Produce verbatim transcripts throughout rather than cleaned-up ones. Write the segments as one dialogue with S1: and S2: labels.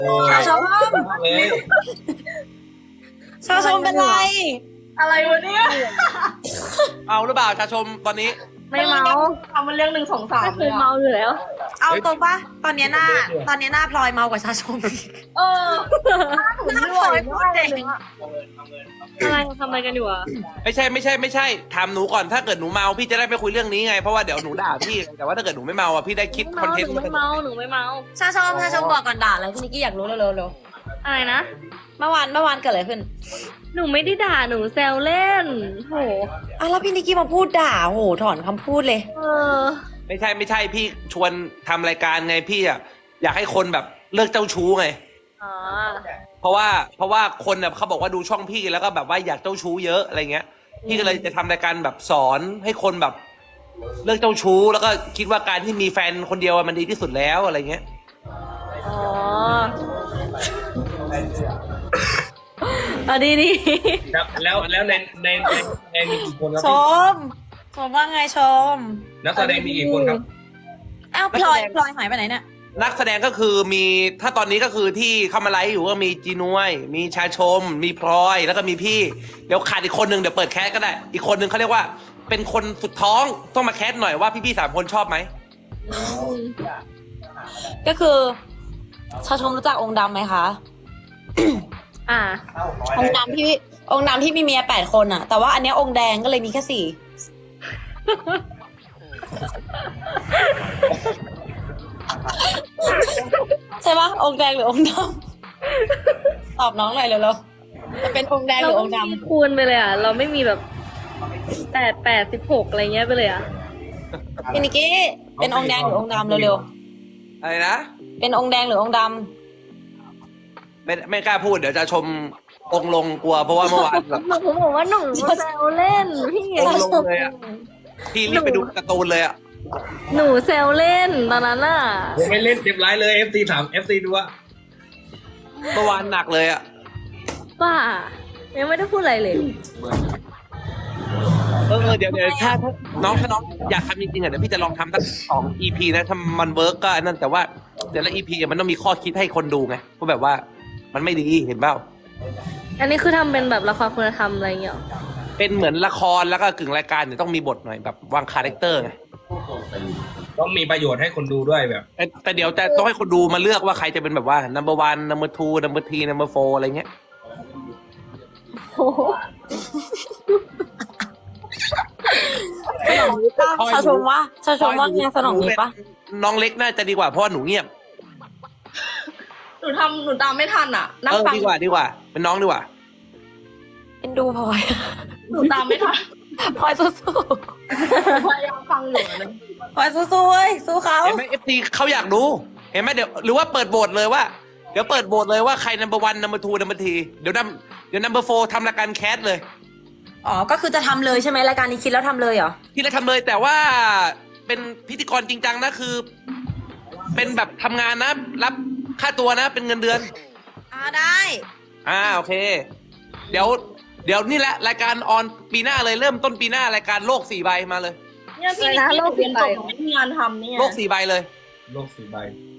S1: ชาชม
S2: เลย
S1: ชาชมเป็นไร
S3: อะไรวะเนี่ย
S4: เอาหรือเปล่าชาชมตอนนี้
S5: ไม่เมา
S3: ทำมันเรื่องหนึ่งสองสาม
S5: ไม่เค
S3: เลย
S5: ยเมาอยู่แล้ว
S1: เอาตรงปะตอนเนี้ยหน้า ตอนเนี้ยหน้าพลอยเมากว่าชาชม
S3: เออ
S1: หน้าพลอยพูดเอง
S5: อะไรทำอะไรกันอยู่อ่ะ
S4: ไม่ใช่ไม่ใช่ไม่ใช่ถามหนูก่อนถ้าเกิดหนูเมาพี่จะได้ไม่คุยเรื่องนี้ไงเพราะว่าเดี๋ยวหนูด่าพี่แต่ว่าถ้าเกิดหนูไม่เมาอ่ะพี่ได้คิดคอนเทนต์
S5: หนูไม่เมาหนูไม่เมา
S1: ชาชมชาชมบอกก่อนด่าอะไรพี่นิกกี้อยากรู้เร็วๆเร็ว
S5: อะไรนะ
S1: เมื่อวานเมื่อวานเกิดอะไรขึ้น
S5: หนูไม่ได้ด่าหนูแซวเล่นโห
S1: อ่ะแล้วพี่นิกกี้มาพูดด่าโหถอนคำพูดเลย
S5: เออ
S4: ไม่ใช่ไม่ใช่พี่ชวนทำรายการไงพี่อ่ะอยากให้คนแบบเลิกเจ้าชู้ไง
S5: อ๋อ
S4: เพราะว่าเพราะว่าคนเนี่ยเขาบอกว่าดูช่องพี่แล้วก็แบบว่าอยากเจ้าชู้เยอะอะไรเงี้ยพี่ก็เลยจะทำรายการแบบสอนให้คนแบบเลิกเจ้าชู้แล้วก็คิดว่าการที่มีแฟนคนเดียวมันดีที่สุดแล้วอะไรเงี้ย
S5: อ๋อเอาดีดี
S2: ครับแล้วแล้วในในในในมีกี่คนครับ
S1: ช
S2: พี่
S1: มชมว่าไงชม
S2: นักแสดงมีกี่คนครับ
S1: อ้าวพลอยพลอยหายไปไหนเนี่ย
S4: นักแสดงก็คือมีถ้าตอนนี้ก็คือที่เข้ามาไลฟ์อยู่ก็มีจีนวย มีชาชม มีพลอยแล้วก็มีพี่เดี๋ยวขาดอีกคนนึงเดี๋ยวเปิดแคสก็ได้ อีกคนนึงเขาเรียกว่า เป็นคนสุดท้องต้องมาแคสหน่อยว่าพี่ๆสามคนชอบไหม
S1: ก็คือชาชมรู้จักองค์ดำไหมคะ
S5: อ่า
S1: องค์ดำที่องค์ดำที่มีเมียแปดคนอะแต่ว่าอันเนี้ยองค์แดงก็เลยมีแค่สี่ ใช่ปะองค์แดงหรือองค์ดำตอบน้องหน่อยเร็วๆจะเป็นองค์แดงห
S5: เรา
S1: รืออง
S5: ไม่
S1: ค์
S5: มี
S1: ดำ
S5: คูณไปเลยอ่ะ เราไม่มีแบบแปดแปดสิบหกอะไรเงี้ยไปเลยอ่ะ
S1: พี่นิกกี้เป็นองค์แดงหรือองค์ดำเร็ว
S4: อะไรนะ
S1: ๆเป็นองค์แดงหรือองค์ด
S4: ไม่ไม่กล้าพูดเดี๋ยวจะชมองค์ลงกลัวเพราะว่าเมื่อวานแบบ
S5: หนูบอกว่าหนูแซวเล่นพี่
S4: องค์ลงเลยอะพี่รีบไปดูการ์ตูนเลยอะ
S5: หนูแซวเล่นตอนนั้นอ่ะ
S2: ผมไม่เล่นเจ็บร้ายเลย เอฟ ซี ถาม เอฟ ซี ดูว่า
S4: เมื่อวานหนักเลยอะ
S5: ป้ายังไม่ได้พูดอะไรเลย
S4: เออเออเดี๋ยวเดี๋ยวถ้าถ้าน้องถ้าน้องอยากทำจริงๆอะเดี๋ยวพี่จะลองทำสักสองอีพีนะถ้ามันเวิร์กก็อันนั่นแต่ว่าเดี๋ยวละอีพีมันต้องมีข้อคิดให้คนดูไงเพราะแบบว่ามันไม่ดีเห็นเปล่า
S5: อันนี้คือทำเป็นแบบละครคุณธรรมอะไรเงี้ยหรอ
S4: เป็นเหมือนละครแล้วก็กึ่งรายการเนี่ยต้องมีบทหน่อยแบบวางคาแรคเตอร์ไง
S2: ต้องมีประโยชน์ให้คนดูด้วยแบบ
S4: แต่แต่เดี๋ยวจะต้องให้คนดูมาเลือกว่าใครจะเป็นแบบว่า number one number two number three number four อะไรเงี้ย
S5: โอ้โห
S1: ำสนองนี้ปะชาชมว่าชาชมว่าไงสนองนี้ปะ
S4: น้องเล็กน่าจะดีกว่าเพราะว่าหนูเงียบ
S3: หนูทำหนูตามไม่ทันอ่ะ นั่ง
S4: เออ
S3: ฟัง
S4: ดีกว่าดีกว่า เป็นน้องดีกว่า
S1: เป็นดูพลอย
S3: หนูตามไม่ทัน
S1: พลอยสู้
S3: พยายามฟังอยู่นะ
S1: ๆพลอยสู้ๆเว้ยสู้เขา
S4: เห็นไหมเอฟซีเขาอยากดูเห็นไหมเดี๋ยวหรือว่าเปิดโหวตเลยว่าเดี๋ยวเปิดโหวตเลยว่าใคร number one number two number three เดี๋ยวนัเดี๋ยว number four ทำรายการแคสเลย
S1: อ๋อก็คือจะทำเลยใช่ไหมรายการนี้คิดแล้วทำเลยเหรอ
S4: ที่เราทำเลยแต่ว่าเป็นพิธีกรจริงจังนะคือ เป็นแบบทำงานนะ รับค่าตัวนะ เป็นเงินเดือน
S1: อ่าได้
S4: อ่าโอเค เดี๋ยว เดี๋ยวนี่แหละรายการออนปีหน้าเลยเริ่มต้นปีหน้ารายการโลกสี่ใบมาเลย
S3: เนี่ยพี่นิกกี้เรียนจบไม่มีงานทำเนี่ย
S4: โลกสี่ใบเลย
S2: โลกสี่ใบ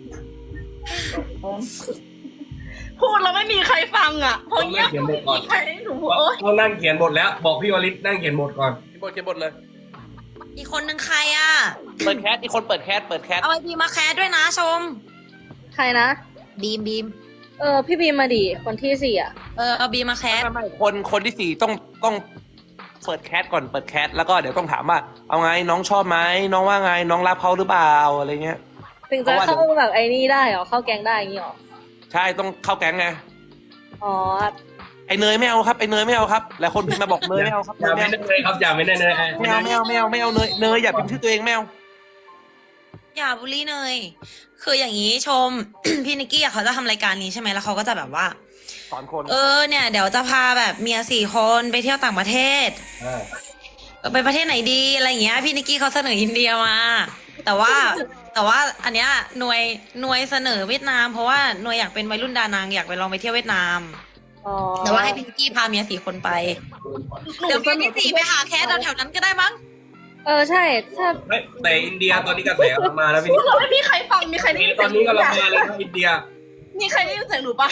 S3: พูดแล้วไม่มีใครฟังอ่ะเพราะ
S2: ต้อง
S3: เงี
S2: นั่
S3: ย
S2: ง
S3: บ
S2: เขียนบทก่อน
S3: ใครให้หนูพูดโอ๊ย
S2: ต้องนั่งเขียนบทแล้ว บอกพี่วลิตนั่งเขียนบทก่อน
S4: เขียนบทเขียนบทเลย
S1: อีกคนนึงใครอ่ะ
S4: เปิดแคสอีกคนเปิดแคสเปิดแคส
S1: เอาไอบีมาแคสด้วยนะชม
S5: ใครนะ
S1: บีมบีม
S5: เออ พี่บีมมาดิคนที่สี่อ่ะ
S1: เออเอาบีมมาแคส
S4: ไม่ไม่คนคนที่สี่ต้องต้องเปิดแคสก่อนเปิดแคสแล้วก็เดี๋ยวต้องถามว่าเอาไงน้องชอบไหมน้องว่าไงน้องรับเขาหรือเปล่าอะไรเงี้ย
S5: ถึงจะเข้าแบบไอ้นี่ได้เหรอ เข้าแก๊งได้อย่างงี้เหรอ
S4: ใช่ต้องเข้าแก๊งไง
S5: อ๋อ
S4: ไอเนยไม่เอาครับไอเนยไม่เอาครับหลายคนพิมพ์มาบอกเนยไม่เอาครับ
S2: อย่าไม่ได้เลยครับอย่าไม่ได้เลย
S4: ไม่เอาไม่เอาไม่เอาไม่เอาเนยเนยอย่าพิมพ์ชื่อตัวเองไม่เอา
S1: อย่าบูลลี่เนยคืออย่างนี้ชม พี่นิกกี้อะเขาจะทำรายการนี้ใช่ไหมแล้วเขาก็จะแบบว่า
S4: สอนคน
S1: เออเนี่ยเดี๋ยวจะพาแบบเมียสี่คนไปเที่ยวต่างประเทศ
S2: อ่า
S1: เออไปประเทศไหนดีอะไรอย่างเงี้ยพี่นิกกี้เขาเสนออินเดียมา แต่ว่า แต่ว่าอันเนี้ยหน่วยหน่วยเสนอเวียดนาม เพราะว่าหน่วยอยากเป็นวัยรุ่นดานางอยากไปลองไปเที่ยวเวียดนาม
S5: อ๋อ
S1: แต่ว่าให้พี่นิกกี้พาเมียสี่คนไป
S3: หนู
S1: เดี๋ยวเมียที่สี่ไปหาแคสแถวๆนั้นก็ได้มั้ง
S5: เออใช่ถ้า
S2: เฮ้ยแต่อินเดียตอนนี้กระแสกำลังมาแล้วพี่
S3: พูดแล้วไม่มีใครฟังมีใครได้ยิน
S2: ตอนนี้กำลังมาเลยครับอินเดีย
S3: มีใครได้ยินเสียงหนูปะ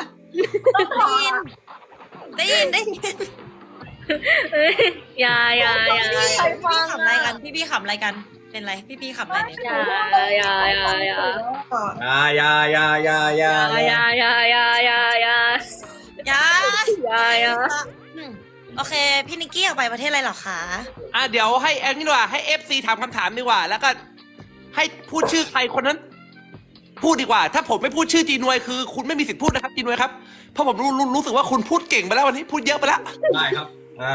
S1: ได้ยินได้ยินได้ยิน
S5: เอ้ยอย่าอย่าอย่า
S1: พี่
S5: อย่า
S1: พี่ขำอะไรกันพี่พี่ขำอะไรกันเป็นไรพี่พี่ขำอะไรเนี่ย
S5: อย่าอย่าอย่าอย่า
S2: อยาอยาอยาอยาอยา
S5: อย่าอย่าอย่าอย่าอย่า
S1: อย่า
S5: อย่าอย่า
S1: อืมโอเค พี่นิกกี้อยากไปประเทศอะไรเหรอคะ
S4: อ่ะเดี๋ยวให้แอนนี่ดีกว่าให้เอฟซีถามคำถามดีกว่า แล้วก็ให้พูดชื่อใครคนนั้น พูดดีกว่า ถ้าผมไม่พูดชื่อจีนวยคือ คุณไม่มีสิทธิ์พูดนะครับจีนวยครับเพราะผมรู้รู้รู้สึกว่าคุณพูดเก่งไปแล้ววันนี้พูดเยอะไปแล้ว
S2: ได้ครับอ่า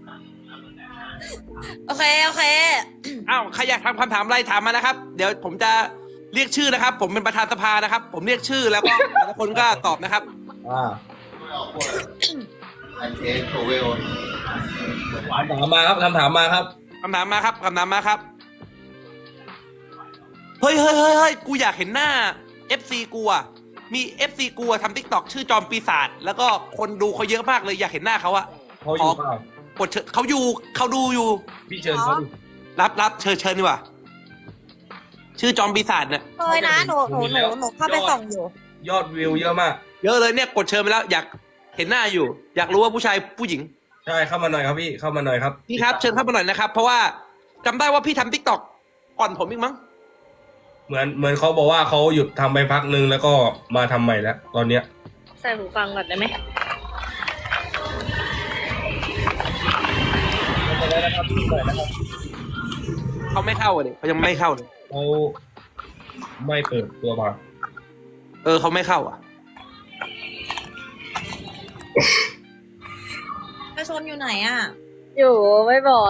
S1: โอเคโอเค
S4: อ้าวใครอยากทำคำถามอะไรถามมานะครับ เดี๋ยวผมจะเรียกชื่อนะครับ ผมเป็นประธานสภานะครับ ผมเรียกชื่อแล้วก็แต่ละคนก็ตอบนะครับ
S2: อ่า
S6: I take away on
S2: คำถามมาครับคำถามมาครับ
S4: คำถามมาครับคำถามมาครับ เฮ้ยเฮ้ยเฮ้ยเฮ้ยกูอยากเห็นหน้า เอฟ ซี กูอะมี เอฟ ซี กูอะทำทิกตอกชื่อจอมปีศาจแล้วก็คนดูเขาเยอะมากเลยอยากเห็นหน้าเขาอะ
S2: เขาอยู่เปล่าก
S4: ดเชิญเขาอยู่เขาดูอยู่
S2: พี่เชิญเขาดิ
S4: รับรับเชิญเชิญดีกว่า ชื่อจอมปีศาจเนี่ย
S1: เคยนะหนูหนูหนูหนูเข้าไปส่องอยู่
S2: ยอดวิวเยอะมาก
S4: เยอะเลยเนี่ยกดเชิญไปแล้วอยากเห็นหน้าอยู่ อยากรู้ว่าผู้ชายผู้หญิง
S2: ใช่เข้ามาหน่อยครับพี่เข้ามาหน่อยครับ
S4: พี่ครับเชิญเข้ามาหน่อยนะครับ เพราะว่าจำได้ว่าพี่ทำทิกตอกก่อนผมอีกมั้ง
S2: เหมือนเหมือนเขาบอกว่าเขาหยุดทำไปพักนึงแล้วก็มาทำใหม่แล้วตอนเนี้ย
S5: ใส่หูฟังก่อนได้ไหม
S4: เขาไม่เข้าเลยเขายังไม่เข้าเลย
S2: เขาไม่เปิดตัวมา
S4: เออเขาไม่เข้าอ่ะ
S1: ประชนอยู่ไหนอ่ะ
S5: อยู่ไม่บอก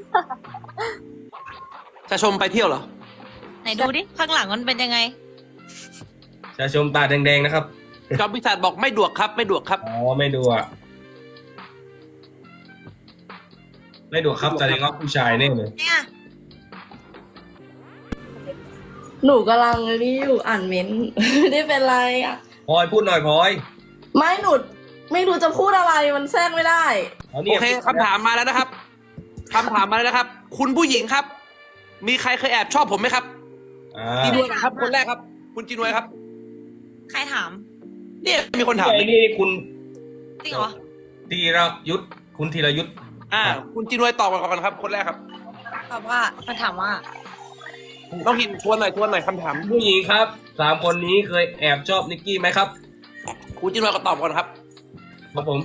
S4: จะชมไปเที่ยวเหรอ
S1: ไหนดูดิ ข้างหลังมันเป็นยังไง
S2: ชาชมตาแดงๆนะครับ
S4: จอมปีศาจบอกไม่ดวกครับ ไม่ดวกครับ
S2: อ๋อไม่ดูอ่ะไม่ดูครับแสดงว่าผู้ชายแน่เลย
S1: เนี่ย
S3: หนูกำลังนี่อยู่อ่านเม้นต์ ไม่ได้เป็นไรอ่ะ
S2: พลอยพูดหน่อยพลอย
S3: ไม่หนูไม่รู้จะพูดอะไรมันแทรกไม่ได้
S2: า
S4: โอ
S2: นี่ย
S4: เคคำถามมาแล้วนะครับคำถามมาแล้วนะครับ คุณผู้หญิงครับ มีใครเคยแอบชอบผมไหมครับ
S2: อ่า
S4: จีนวยครับ คนแรกครับ คุณจีนวยครับ
S1: ใครถาม
S4: เนี่ยมีคนถาม
S2: ไอ้นี่คุณ
S1: จริงเหรอ
S2: ธีรยุทธคุณธีรยุทธ
S4: อ่า คุณจีนวยตอบก่อนครับ คนแรกครับ
S1: ตอบว่ามันถามว่า
S4: น้องหินทวนหน่อยทวนหน่อยคำถาม
S2: ผู้หญิงครับสามคนนี้เคยแอบชอบนิกกี้ไหมครับ
S4: คุณจีนวยก็ตอบก่อนครับ
S2: ครับผม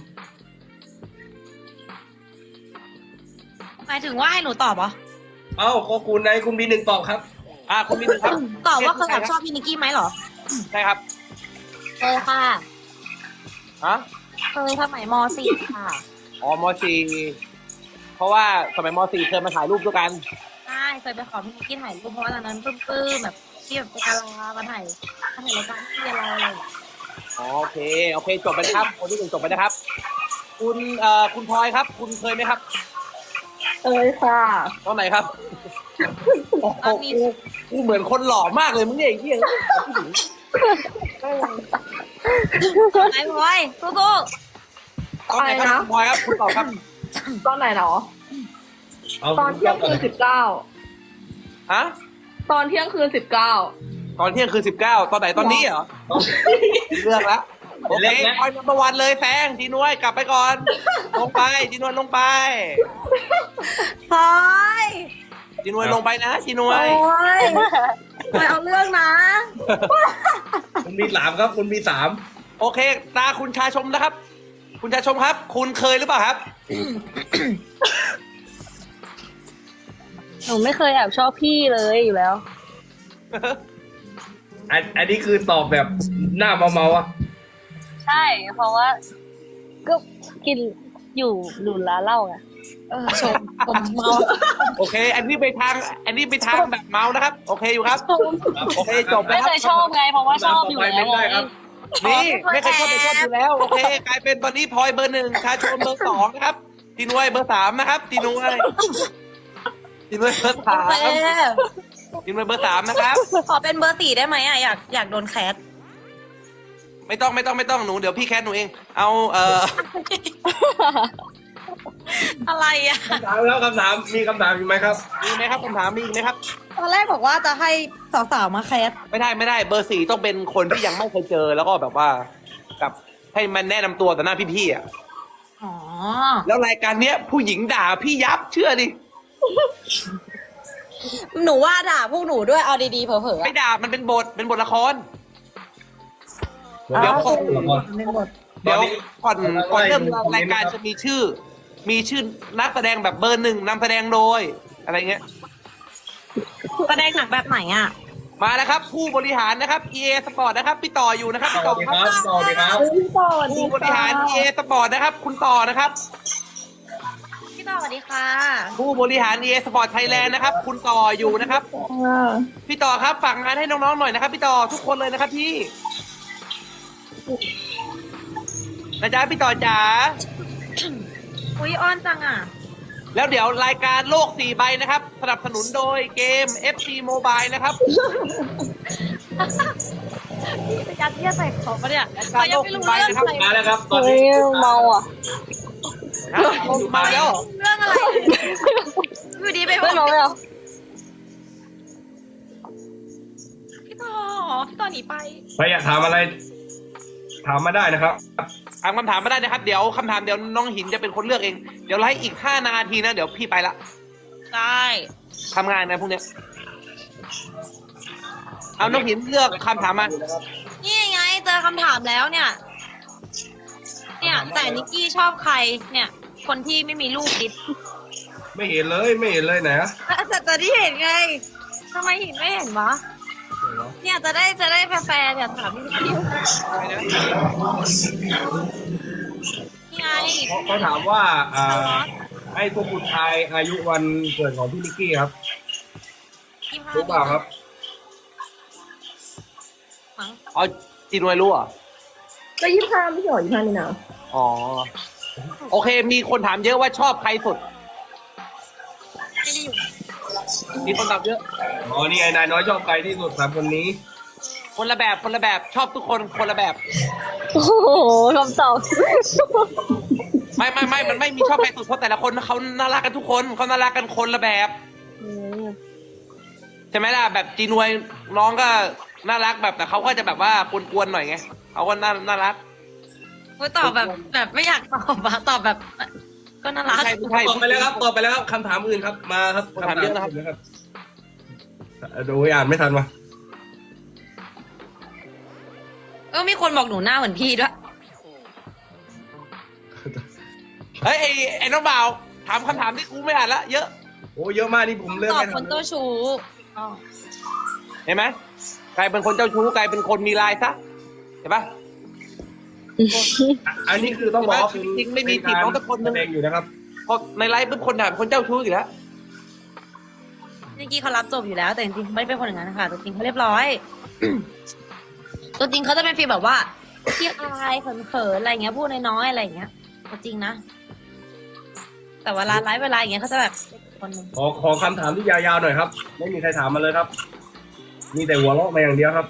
S1: หมายถึงว่าให้หนูตอบเหรอ
S2: เอ้าก็คุณนายคุณบีหนึ่งตอบครับ
S4: อ่าคุณมีหนึ่งครับ
S1: ตอบว่าเคยแอบชอบพี่นิกกี้ไหมเหรอ
S4: ใช่ครับ
S1: เคยค่ะ
S4: ฮะ
S1: เคยสมัยม .สี่ ค่ะ
S4: อ๋อมสี่เพราะว่าสมัยมสี่เคยมาถ่ายรูปด้วยกัน
S1: ใช่เคยไปขอพี่นิกกี้ถ่ายรูปเพราะว่าตอนนั้นปลื้มๆแบบที่แบบไปกาลามาถ่ายมาถ่ายรายการที่เราอะไรอย่างเงี้ย
S4: อ๋อโอเค โอเค จบไปนะครับ คนที่หนึ่งจบไปนะครับ คุณเอ่อคุณพลอยครับ คุณเคยไหมครับ
S3: เอ้ยค่ะ
S4: ตอนไหนครับ โอ้โหกูกูเหมือนคนหล่อมากเลยมึงเนี่ยไอ้เหี้ย
S1: ไอ้พลอยสู้
S4: ตอนไหนครับคุณพลอยครับ คุณตอบครับ
S3: ตอนไหนเนาะ
S2: เอา
S3: ตอนเที่ยงคืนสิบเก้า
S4: ฮะ
S3: ตอนเที่ยงคืนสิบเก้า
S4: ตอนเที่ยงคือสิบเก้าตอนไหนตอนนี้เหรอ เลือกแล้วโอเคพลอยนัมเบอร์วันเลยแซงจีนวยกลับไปก่อน ลงไปจีนวยลงไป
S1: ๆพลอย
S4: จีนวยลงไปนะจีนว
S1: โอ้
S4: ย
S1: ยพลอยเอาเรื่องนะ
S2: คุณมีสามครับ คุณมีสาม
S4: โอเค ตาคุณชาชมนะครับ คุณชาชมครับ คุณเคยหรือเปล่าครับ
S5: หนูไม่เคยแอบชอบพี่เลยอยู่แล้ว
S2: อันอันนี้คือตอบแบบหน้าเมาๆอ่ะ
S5: ใช่ เพราะว่า ก็กินอยู่หลุนร้านเหล้าไง
S1: เออชมผมเมา
S4: โอเค อันนี้ไปทาง อันนี้ไปทางแบบเมานะครับ โอเคอยู่ครับ โอเคจบไป
S5: ไม่
S4: ค
S5: เครับ ยชอบไง เพราะว่าชอบอยู่แล้ว
S2: ไม่ได้ครับ
S4: นี่ไม่เคยชอบไปชอบอยู่แล้ว โอเค กลายเป็นตอนนี้พลอยเบอร์หนึ่งชาชมเบอร์สองนะครับจีนวยเบอร์สามนะครับจีนวยจีนวยเบอร์สาม
S1: โอเค
S4: จีนวยเบอร์สามนะครับ
S1: ขอเป็นเบอร์สี่ได้ไหมอ่ะอยากอยากโดนแคส
S4: ไม่ต้องไม่ต้องไม่ต้องหนูเดี๋ยวพี่แคทหนูเอง เอาเอ่อ
S1: อะไรอ่ะ
S2: คำถามแล้วคำถามมีคำถามอยู่ไหมครับ
S4: มีไหมครับคำถามมีอีกไหมครับ
S1: เอตอนแรกบอกว่าจะให้สาวๆมาแคส
S4: ไม่ได้ไม่ได้เบอร์สี่ต้องเป็นคนที่ยังไม่เคยเจอแล้วก็แบบว่ากับให้มันแนะนำตัวต่อหน้าพี่ๆอ่ะ
S1: อ๋อ
S4: แล้วรายการเนี้ยผู้หญิงด่าพี่ยับเชื่อดิ
S1: หนูว่าด่าพวกหนูด้วยเอาดีๆเผลอๆ
S4: ไม่
S1: อะ
S4: ด่ามันเป็นบทเป็นบทละคร
S2: เดี๋
S4: เดี๋
S2: ย
S4: ยว ว
S2: ก่อน
S1: เป็นบท
S4: เดี๋ยวก่อนก่อนเริ่ม
S2: คอมเมนต์
S4: รายการจะมีชื่อ มีชื่อนักแสดงแบบเบอร์หนึ่งนำแสดงโดย อะไรเงี้ย
S1: แสดงหนักแบบไหนอ่ะ
S4: มาแล้วครับ ผู้บริหารนะครับ อี เอ Sport นะครับพี่ต่ออยู่นะครับ
S2: ส
S4: พี่ต่
S2: วั
S4: อ
S2: สดี
S4: ค
S2: ค
S4: รั
S2: รับ บสวัสดีครับ
S3: พี่ต่อสวัสดี
S4: ผู้บริหาร อี เอ Sport นะครับ คุณต่อนะครับ
S1: พี่ต่อสวัสดีค่ะ
S4: ผู้บริหาร อี เอ Sport Thailand นะครับ คุณต่ออยู่นะครับ
S3: ค่ะ
S4: พี่ต่อครับฝากงานให้น้องๆหน่อยนะครับ พี่ต่อทุกคนเลยนะครับพี่นะจ๊ะพี่ต่อจ๋า
S1: อุ้ยอ้อนจังอ่ะ
S4: แล้วเดี๋ยวรายการโลกสี่ใบนะครับสนับสนุนโดยเกม เอฟ ซี Mobile นะครับ
S1: จะยัดเยียดใส่เขาปะเนี่ย
S4: ราย
S1: เขา
S4: การ
S1: ยั
S4: โล
S1: ง
S4: ก
S1: ไม่
S4: สี่
S1: รู้
S4: ใบ
S1: เรื่อง
S4: นะครับ
S1: อะไร
S2: มาแล้วครับตอน
S5: เฮ้
S2: นี้
S5: ยเมาอ่ะ
S4: ฮะมาแล้ว
S1: เรื่องอะไรอยู่ดีไปบ
S5: ไม่
S1: อก
S5: เมาเลยเหรอ
S1: พี่ต่อพี่ต่อหนีไป
S2: ใครอยากถามอะไร ถามมาได้นะครับ
S4: ถามคำถามมาได้นะครับ เดี๋ยวคำถามเดี๋ยวน้องหินจะเป็นคนเลือกเอง เดี๋ยวไลฟ์อีกห้านาทีนะเดี๋ยวพี่ไปละ
S1: ได้
S4: ทำงานนะพวกเนี้ยเอาน้องหินเลือกคำถามมา
S1: นี่ไงเจอคำถามแล้วเนี่ย เนี่ย แต่นิกกี้ชอบใคร เนี่ย คนที่ไม่มีลูกดิบ
S2: ไม่เห็นเลยไม่เห็นเลยไหนอะ
S1: แต่แต่ที่เห็นไงทำไมหินไม่เห็นวะ เนี่ยจะได้จะได้แฟร์ๆเนี่ยถามพี่นิกกี้นี่ไง
S2: เขาถามว่าอ่าให้ตัวคุณทายอายุวันเกิดของพี่นิกกี้ครับ
S1: ยี่สิบห้า
S2: รู้เปล่าครับ
S1: มั้ง
S4: อ๋อจีนวยรู้เหรอ่ะ
S3: ก็ยี่ห้าไม่ใช่หรอยี่ห้านี่นะ
S4: อ๋อโอเค มีคนถามเยอะว่าชอบใครสุด
S1: ไม่ได้อยู่
S4: มีคนตอบเยอะ
S2: อ๋อ นี่ไอ้นายน้อยชอบใครที่สุดสามคนนี้
S4: คนละแบบคนละแบบชอบทุกคนคนละแบบ
S5: โอ้โหคำตอบ
S4: ไม่ไม่ไม่มันไม่มีชอบใครสุดเพราะแต่ละคนเขาน่ารักกันทุกคนเขาน่ารักกันคนละแบบ
S5: อืม
S4: ใช่ไหมล่ะแบบจีนวยน้องก็น่ารักแบบแต่เขาก็จะแบบว่ากวนๆหน่อยไงเขาก็น่าน่ารัก
S1: กูตอบแบบแบบไม่อยากตอบอะตอบแบบ ก็น่ารัก
S4: ไม่ใช่ไม่ใช่
S2: ตอบไปแล้วครับ ตอบไปแล้วครับคำถามอื่นครับ มาครับ
S4: คำถามเยอะนะครับ
S2: อื่นะครับดูอ่านไม่ทันมา
S1: เออมีคนบอกหนูหน้าเหมือนพี่ด้วย
S4: เฮ้ยไอ้ไอ้น้องบ่าวถามคำถามที่กูไม่อ่านละเยอะ
S2: โอ้เยอะมากนี่ผมเลือก
S1: ตอบ
S2: ไม่
S1: ค
S2: ทั
S1: น
S2: น
S1: เจ้าชู้อ๋อ
S4: เห็นไหมกลายเป็นคนเจ้าชู้กลายเป็นคนมีลายซะเห็นปะ
S2: อันนี้คือต้องบอกว่า
S4: จริงๆไม่มีจีบน้องสักคนหนึ่ง
S2: แสดงอยู่นะครับ
S4: พอในไลฟ์เป็นคนถามคนเจ้าชู้อยู่แล้ว
S1: นิกกี้เขารับจบอยู่แล้ว แต่จริงๆไม่ได้เป็นคนอย่างนั้นนะคะตัวจริงเขาเรียบร้อย ตัวจริงเขาจะเป็นฟีลแบบว่าขี้อายเขินๆอะไรเงี้ยพูดน้อยๆอะไรอย่างเงี้ยตัวจริงนะ แต่เวลาไลฟ์เวลาอย่างเงี้ยเขาจะแบบคนหนึง
S2: ขอขอคำถามที่ยาวๆหน่อยครับ ไม่มีใครถามมาเลยครับ มีแต่หัวเราะมาอย่างเดียวครับ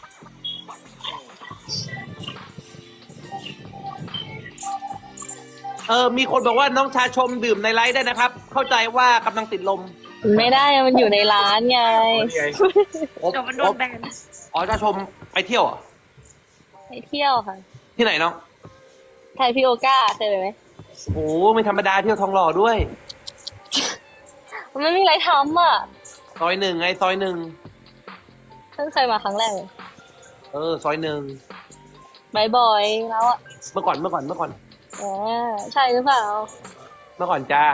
S4: เออมีคนบอกว่าน้องชาชมดื่มในไลฟ์ได้นะครับ เข้าใจว่ากำลังติดลม
S5: ไม่ได้มันอยู่ในร้านไง
S2: นี่ไง
S4: โอ๊บ
S1: เดี๋ยวมันโดนแบน
S4: อ๋อชาชมไปเที่ยวเหรอ
S5: ไปเที่ยวค่ะ
S4: ที่ไหนน้อง
S5: ไทยพี่โอก้าเคยไปไหม
S4: โอ้ไม่ธรรมดาเที่ยวทองหล่อด้วย
S5: มันไม่มีอะไรทำอ่ะ
S4: ซอยหนึ่งไงซอยหนึ่ง
S5: เพิ่งเคยมาครั้งแรกเลย
S4: เออซอยหนึ่ง
S5: บ่อยๆแล้วอ่ะ
S4: เมื่อก่อนเมื่อก่อนเมื่อก่อน
S5: อ๋อใช่หรือเปล่า
S4: เมื่อก่อนจ้า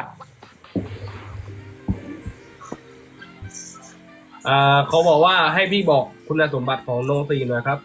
S2: อ่าเขาบอกว่าให้พี่บอกคุณสมบัติของโนซีหน่อยครับ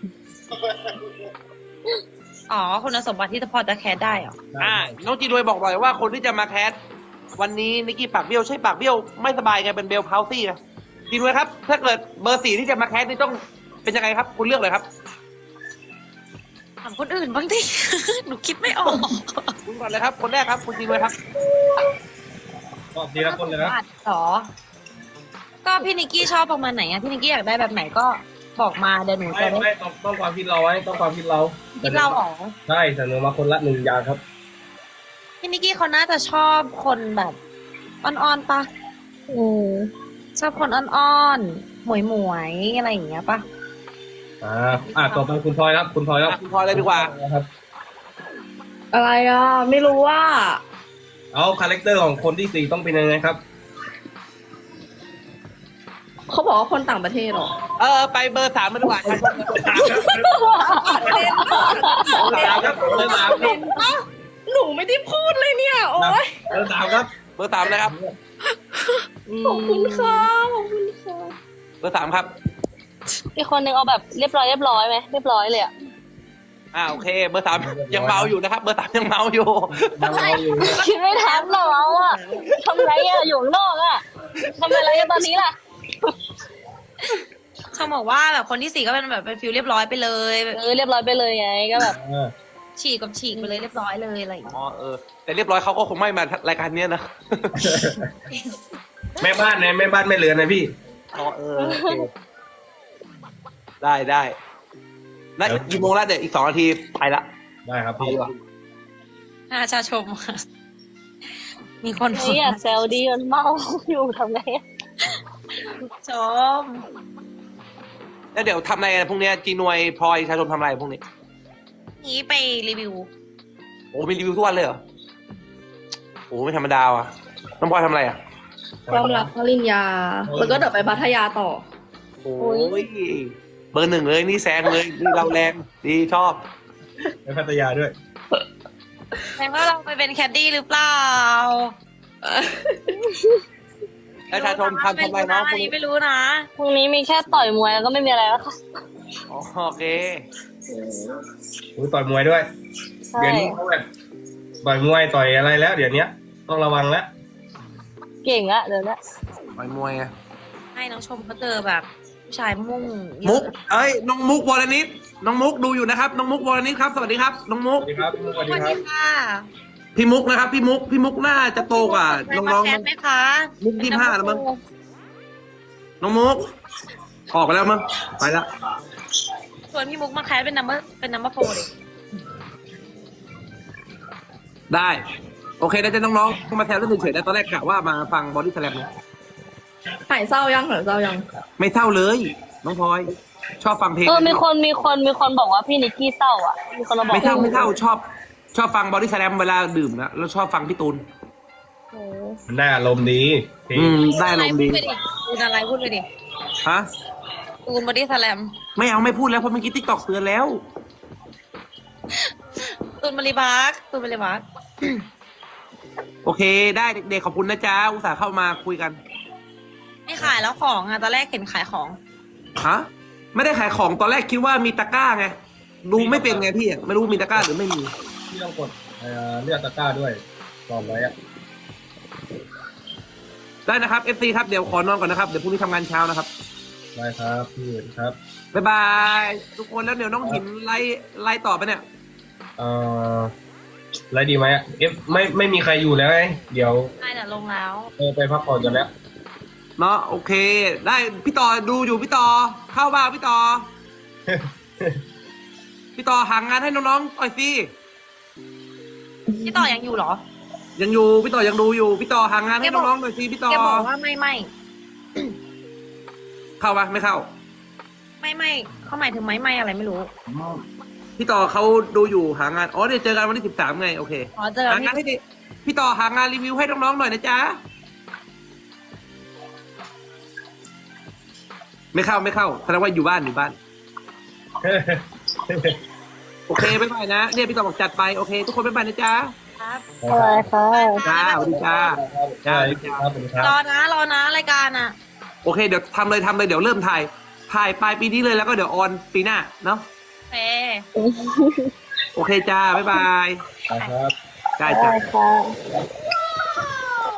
S1: อ๋อคุณสมบัติที่จะพอจะแคสได้เหรอ
S4: อ่าน้องจีดวยบอกบ่อยว่าคนที่จะมาแคสวันนี้นิกกี้ปากเบี้ยวใช่ปากเบี้ยวไม่สบายไงเป็นเบลพาวซี่นะจีดวยครับ ถ้าเกิดเบอร์สี่ที่จะมาแคสนี่ต้องเป็นยังไงครับ คุณเลือกเลยครับ
S1: ถามคนอื่นบ้างดิ หนูคิดไม่ออก
S4: คุณก่อนเลยครับ คนแรกครับ คุณจีดวยครับ
S2: ตอบทีละคนเลยครับ
S1: ณสมบัติเหรอ ก็พี่นิกกี้ชอบประมาณไหนอะพี่นิกกี้อยากได้แบบไหนก็บอกมาเดี๋ยวหนู
S2: ไม่
S1: จะได้
S2: ไม่ต้องต้องความคิดเราไว้ต้องความคิดเรา
S1: คิดเราออก
S2: ใช่เสนอมาคนละหนึ่งอย่างครับ
S1: พี่นิกกี้เขาน่าจะชอบคนแบบอ่อนๆปะ
S5: อืม
S1: ชอบคนอ่อนๆหมวยหมวยๆอะไรอย่างเงี้ยปะ
S2: อ่าอ่าต่อไปคุณพลอยครับ คุณพลอยครับ
S4: อ่ะคุณพลอยเลยดีกว่า
S2: ครับ
S3: อะไรอ่ะ ไม่รู้ว่า
S2: เอาคาแรคเตอร์ของคนที่สี่ต้องเป็นยังไงครับ
S3: เขาบอกว่าคนต่างประเทศเหรอ
S4: เออไปเบอร์สามมาดีกว่าครับ
S2: สามครับเบอร์สามครับ
S3: เป็นปะหนูไม่ได้พูดเลยเนี่ย โอ๊ย
S2: เบอร์สามครับ
S4: เบอร์สามนะครับ
S3: ขอบคุณค่ะขอบคุณค่ะ
S4: เบอร์สามครับ
S5: อีกคนนึงเอาแบบเรียบร้อยเรียบร้อยไหมเรียบร้อยเลยอะ
S4: อ่าโอเค เบอร์สามยังเมาอยู่นะครับ เบอร์สามยังเมาอยู่
S2: ยังรออยู่
S5: คิดไม่ทันหรอเราอะทำไรอะอยู่ข้างนอกอะทำอะไรกันตอนนี้ล่ะ
S1: เขาบอกว่าแบบคนที่สี่ก็เป็นแบบเป็นฟิลเรียบร้อยไปเลยแบบ
S5: เออเรียบร้อยไปเลยไงก็แบบ
S2: อ่า
S1: ฉีกกับฉีกไปเลยเรียบร้อยเลยอะไรอย่างเงี้ย
S4: อ๋อเออ แต่เรียบร้อยเขาก็คงไม่มารายการเนี้ยนะ
S2: แม่บ้านนะแม่บ้านไม่เหลือนะพี่
S4: อ๋อเออโอเคได้ได้แล้วกี่โมงแล้วเดี๋ยวอีกสองนาทีไปละ
S2: ได้ครับ
S4: ไป
S2: พี่
S4: ดีกว่า
S1: น่าชาชมค่ะมีคน
S5: เฮ้ยอย่าแซวดีมันเมาอยู่ทำไงอะ
S1: ชม
S4: แล้วเดี๋ยวทำอะไรกันพรุ่งนี้จีนวยพลอยชาชมทำอะไรพรุ่งนี้
S1: นี้ไปรีวิว
S4: โอ้มีรีวิวทุกวันเลยเหรอโอ้ไม่ธรรมดาว่ะน้องพลอยทำอะไรอ่ะ
S3: ความรักปริญญา แล้วก็เดี๋ยวไปพัทยาต่อ
S4: โอ้ยเบอร์หนึ่งเลยนี่แซงเลยนี่เราแรงดีชอบ
S2: ไปพัทยาด้วย
S1: แสดงว่าเราไปเป็นแคดดี้หรือเปล่า
S4: แล้วชาชมทำทำอะไร
S1: ไม่
S4: เนาะ
S1: รู้นะไม่รู้นะ
S5: พรุ่งนี้มีแค่ต่อยมวยแล้วก็ไม่มีอะไรแล้วค่ะ
S4: อ๋อโอเค
S2: อุ้ยต่อยมวยด้วย
S5: ใช่
S2: เดี๋ยวนี้เขาแบบต่อยมวยต่อยอะไรแล้ว เดี๋ยวนี้ต้องระวังแล้ว
S5: เก่งอะเดี๋ยวนี้
S4: ต่อยมวยอะ
S1: ให้น้องชมเขาเจอแบบผู้ชายมุ่งเยอะ
S4: มุกเอ้ยน้องมุกวรนิตน้องมุกดูอยู่นะครับน้องมุกวรนิตครับสวัสดีครับน้องมุ
S2: ส
S4: ก
S2: วัสดีครับสวัส
S1: ส
S2: ดี
S1: วัส
S2: ครั
S1: ดี
S2: บ
S1: ค่ะ
S4: พี่มุกนะครับพี่มุกพี่มุกน่าจะโตกว่าน้อง
S1: มา
S4: น้อง
S1: แคสไหมคะ
S4: มุกยี่สิบห้าแล้วมั้ง น้องมุกออกไปแล้วมั้งไปละ
S1: ส่วนพี่มุกมาแคสเป็นนัมเบอร์เป็นนัมเบอร์โฟร์เลย
S4: ได้ โอเคได้เจะน้องๆมาแซวเรื่องเฉยๆนะตอนแรกกะว่ามาฟังบอดี้สแลมเนี่ย
S3: หายเศร้ายังหายเศร้ายัง
S4: ไม่เศร้าเลย น้องพลอย ชอบฟังเพลง
S5: เออมีคนมีคนมีคนบอกว่าพี่นิกกี้เศร้าอ่ะมีคนมาบอก
S4: ไม่เศร้าไม่เศร้าชอบ ชอบฟังบอดี้สแลมเวลาดื่มนะแล้วชอบฟังพี่ตูน
S5: โอ้
S2: มันได้อารมณ์ดีพี่
S4: อืมได้ลมณ์ดี
S1: พูดไปดิตูนอะไรพูดไปดิ
S4: ฮะ
S1: ตูนบอดี้สแลม
S4: ไม่เอาไม่พูดแล้วเพราะเมื่อกี้ติ๊กตอกเตือนแล้ว
S1: ตูนบริบาร์กตูนบริบาร์ก
S4: โอเค ได้เด็กๆขอบคุณนะจ๊ะอุตส่าห์เข้ามาคุยกัน
S1: ไม่ขายแล้วของอ่ะตอนแรกเห็นขายของ
S4: ฮะไม่ได้ขายของตอนแรกคิดว่ามีตะกร้าไงดูไม่เป็นไงพี่อะไม่รู้มีตะกร้าหรือไม่มี
S2: พี่ต้องกดเอ่อเลือกตะกร้าด้วยก่อนไว้อะ
S4: ได้นะครับ เอฟ ซี ครับเดี๋ยวขอนอนก่อนนะครับเดี๋ยวพรุ่งนี้ทำงานเช้านะครับ
S2: ได้ครับพี่ครับ
S4: บ๊ายบายทุกคนแล้วเดี๋ยวน้องหินไล่ไล่ต่อไปเนี่ย
S2: เอ่ออะไรดีไหมอะเอฟไม่ไม่มีใครอยู่แล้วไงเดี๋ยว
S1: ได้เดี๋ยวลงแล้ว
S2: เออไปพักผ่อนกันแล้ว
S4: เนาะโอเค ได้พี่ต่อดูอยู่พี่ต่อเข้าบ้าพี่ต่อ พี่ต่อหางานให้น้องๆต่อยสิ
S1: พี่ต่อยังอยู่เหรอ
S4: ยังอยู่พี่ต่อยังดูอยู่พี่ต่อหางานให้น้องๆหน่อยสิพี่ต่อ
S1: แกบอกว่าไม่ไม่
S4: เข้าปะไม่เข้า
S1: ไม่ไม่เขาหมายถึงไม่ไม่อะไรไม่รู้
S4: พี่ต่อเขาดูอยู่หางานอ๋อเดี๋ยวเจอกันวันที่สิบสามไงโอเค
S1: อ๋อเจอ
S4: หางานให้ดิพี่ต่อหางานรีวิวให้น้องๆหน่อยนะจ๊ะไม่เข้าไม่เข้าแสดงว่าอยู่บ้านอยู่บ้าน โอเคบ๊ายบายนะเนี่ยพี่ต่อบอกจัดไปโอเค ทุกคนบ๊ายบายนะจ๊ะ
S1: ครับ
S5: อะไรค่ะ
S4: จ้าสวัสดีจ้า
S2: ใช่ครับสวัสดีครับ
S1: รอนะรอนะรายการอ่ะ
S4: โอเคเดี๋ยวทำเลยทำเลยเดี๋ยวเริ่มถ่ายถ่ายปลายปีนี้เลยแล้วก็เดี๋ยวออนปีหน้าเนาะ
S1: เฟ
S4: โอเคจ้าบ๊ายบาย
S2: ครับ
S4: ได้
S5: อะไร
S4: จ้า
S5: ค่ะ